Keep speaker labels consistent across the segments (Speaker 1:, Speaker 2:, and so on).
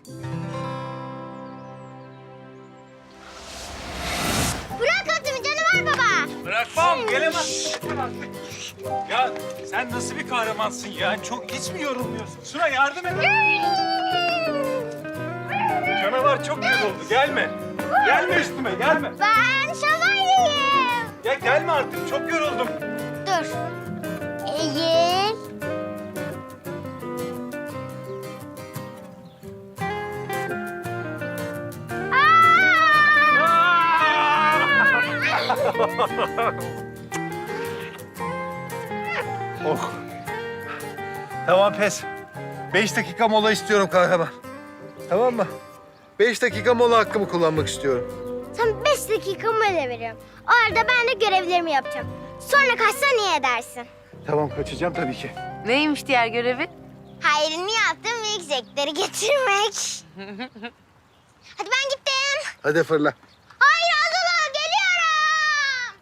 Speaker 1: Bırak atımı canavar baba.
Speaker 2: Bırakmam, gelemez. Ya sen nasıl bir kahramansın ya? Çok hiç mi yorulmuyorsun? Suna yardım et. Canavar çok yoruldu, gelme. Gelme üstüme, gelme.
Speaker 1: Ben şövalyeyim.
Speaker 2: Ya gelme artık, çok yoruldum.
Speaker 1: Dur. Eğil.
Speaker 2: Oh. Tamam pes. 5 dakika mola istiyorum kahraman. Tamam mı? 5 dakika mola hakkımı kullanmak istiyorum.
Speaker 1: Sen 5 dakika mola veriyorum. O arada ben de görevlerimi yapacağım. Sonra kaçsan iyi edersin.
Speaker 2: Tamam kaçacağım tabii ki.
Speaker 3: Neymiş diğer görevi?
Speaker 1: Hayrını yaptım milkshake'leri getirmek. Hadi ben gittim.
Speaker 2: Hadi fırla.
Speaker 1: Hayır Azula geliyorum.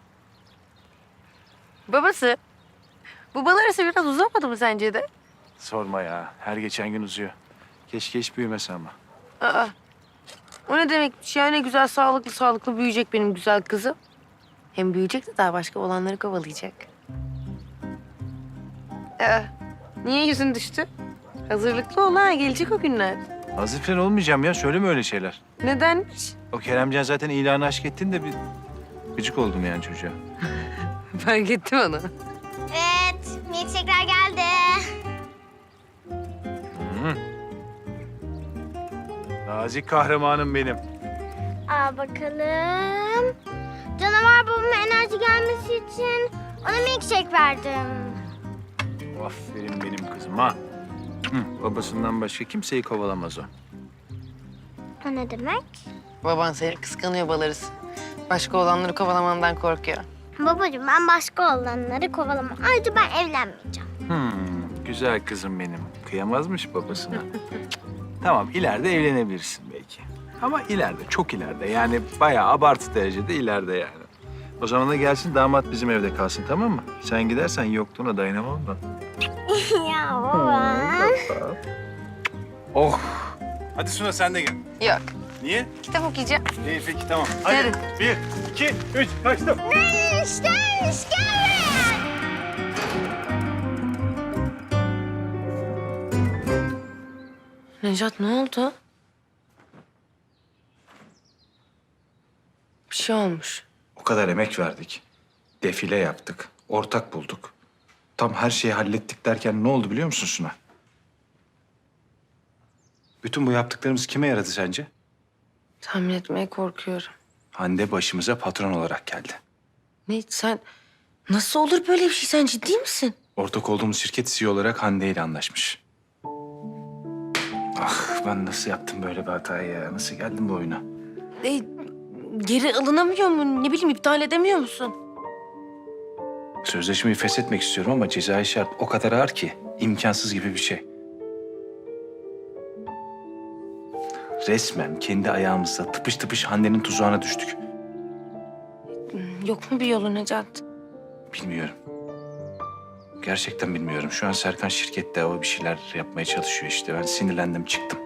Speaker 3: Babası, bu bal arası biraz uzamadı mı sence de?
Speaker 2: Sorma ya. Her geçen gün uzuyor. Keşke hiç büyümese ama.
Speaker 3: Aa, o ne demekmiş ya? Ne güzel sağlıklı büyüyecek benim güzel kızım. Hem büyüyecek de daha başka olanları kovalayacak. Niye yüzün düştü? Hazırlıklı ol ha, gelecek o günler.
Speaker 2: Hazır falan olmayacağım ya. Söyleme öyle şeyler.
Speaker 3: Nedenmiş?
Speaker 2: O Keremcan zaten ilanı aşk ettin de bir gıcık oldum yani çocuğa.
Speaker 3: Fark ettim onu.
Speaker 1: Evet milkshake'ler geldi.
Speaker 2: Nazik kahramanım benim.
Speaker 1: Al bakalım. Canavar babama enerji gelmesi için ona milkshake verdim.
Speaker 2: Aferin benim kızıma. Babasından başka kimseyi kovalamaz o.
Speaker 1: O ne demek?
Speaker 3: Baban seni kıskanıyor bal arısı. Başka olanları kovalamandan korkuyor.
Speaker 1: Babacığım ben başka olanları kovalamam. Ayrıca ben evlenmeyeceğim.
Speaker 2: Güzel kızım benim. Kıyamazmış babasına. Tamam, ileride evlenebilirsin belki. Ama ileride, çok ileride. Yani bayağı abartı derecede ileride yani. O zaman da gelsin damat bizim evde kalsın, tamam mı? Sen gidersen yokluğuna dayanamam ben.
Speaker 1: Ya baba.
Speaker 2: Oh! Hadi Suna sen de gel.
Speaker 3: Yok,
Speaker 2: Niye?
Speaker 3: kitap okuyacağım.
Speaker 2: İyi peki tamam. Hadi.
Speaker 3: Yarın.
Speaker 2: 1, 2, 3, kaçtım.
Speaker 1: İşte gel.
Speaker 3: Necat ne oldu? Bir şey olmuş.
Speaker 4: O kadar emek verdik. Defile yaptık. Ortak bulduk. Tam her şeyi hallettik derken ne oldu biliyor musun Suna? Bütün bu yaptıklarımız kime yaradı sence?
Speaker 3: Tahmin etmeye korkuyorum.
Speaker 4: Hande başımıza patron olarak geldi.
Speaker 3: Ne sen... Nasıl olur böyle bir şey? Sen ciddi misin?
Speaker 4: Ortak olduğumuz şirket CEO olarak Hande ile anlaşmış. Ah ben nasıl yaptım böyle bir hatayı ya? Nasıl geldim bu oyuna?
Speaker 3: Geri alınamıyor mu? Ne bileyim iptal edemiyor musun?
Speaker 4: Sözleşmeyi feshetmek istiyorum ama cezai şart o kadar ağır ki imkansız gibi bir şey. Resmen kendi ayağımızla tıpış tıpış Hande'nin tuzağına düştük.
Speaker 3: Yok mu bir yolu Necat?
Speaker 4: Bilmiyorum. Gerçekten bilmiyorum. Şu an Serkan şirkette o bir şeyler yapmaya çalışıyor işte. Ben sinirlendim çıktım.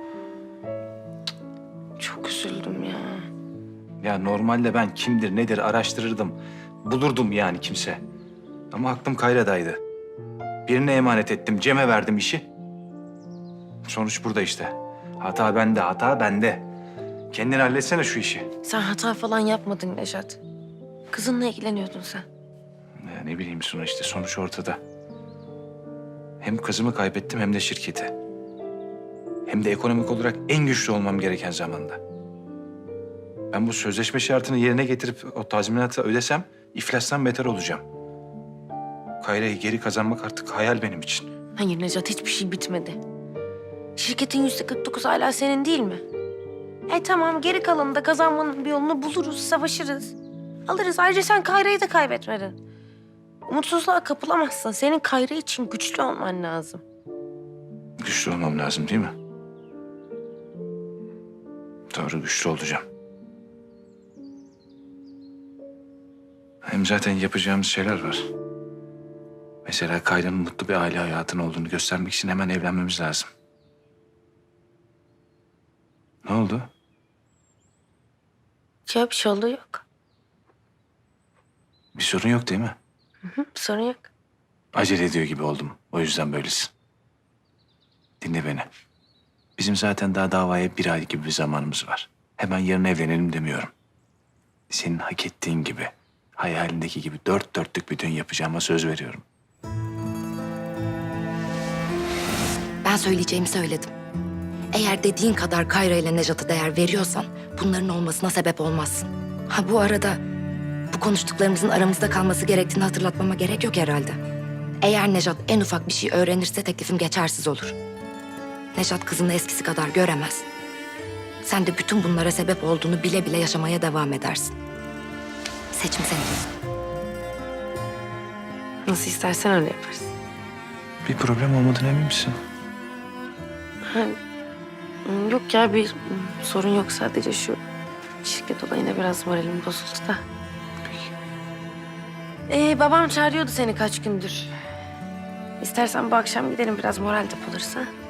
Speaker 3: Çok üzüldüm ya.
Speaker 4: Ya normalde ben kimdir nedir araştırırdım. Bulurdum yani kimse. Ama aklım Kayra'daydı. Birine emanet ettim. Cem'e verdim işi. Sonuç burada işte. Hata bende, hata bende. Kendin halletsene şu işi.
Speaker 3: Sen hata falan yapmadın Necat. Kızınla ilgileniyordun sen.
Speaker 4: Ya ne bileyim Suna işte sonuç ortada. Hem kızımı kaybettim hem de şirketi. Hem de ekonomik olarak en güçlü olmam gereken zamanda. Ben bu sözleşme şartını yerine getirip o tazminatı ödesem iflastan beter olacağım. Kayra'yı geri kazanmak artık hayal benim için.
Speaker 3: Hayır Necat hiçbir şey bitmedi. Şirketin %49 hala senin değil mi? Tamam geri kalanını da kazanmanın bir yolunu buluruz, savaşırız. Alırız. Ayrıca sen Kayra'yı da kaybetmedin. Umutsuzluğa kapılamazsın. Senin Kayra için güçlü olman lazım.
Speaker 4: Güçlü olmam lazım değil mi? Doğru güçlü olacağım. Hem zaten yapacağımız şeyler var. Mesela Kayra'nın mutlu bir aile hayatının olduğunu göstermek için hemen evlenmemiz lazım. Ne oldu?
Speaker 3: Ya bir şey oldu yok.
Speaker 4: Bir sorun yok değil mi?
Speaker 3: Hı, bir sorun yok.
Speaker 4: Acele ediyor gibi oldum. O yüzden böylesin. Dinle beni. Bizim zaten daha davaya 1 ay gibi bir zamanımız var. Hemen yarın evlenelim demiyorum. Senin hak ettiğin gibi, hayalindeki gibi 4 dörtlük bir düğün yapacağıma söz veriyorum.
Speaker 5: Ben söyleyeceğimi söyledim. Eğer dediğin kadar Kayra ile Nejat'a değer veriyorsan bunların olmasına sebep olmazsın. Ha bu arada bu konuştuklarımızın aramızda kalması gerektiğini hatırlatmama gerek yok herhalde. Eğer Nejat en ufak bir şey öğrenirse teklifim geçersiz olur. Nejat kızını eskisi kadar göremez. Sen de bütün bunlara sebep olduğunu bile bile yaşamaya devam edersin. Seçim senin.
Speaker 3: Nasıl istersen öyle yaparız.
Speaker 4: Bir problem olmadığına emin misin?
Speaker 3: Yok ya bir sorun yok. Sadece şu şirket olayına biraz moralim bozuldu da. Babam çağırıyordu seni kaç gündür. İstersen bu akşam gidelim biraz moral depolarız ha.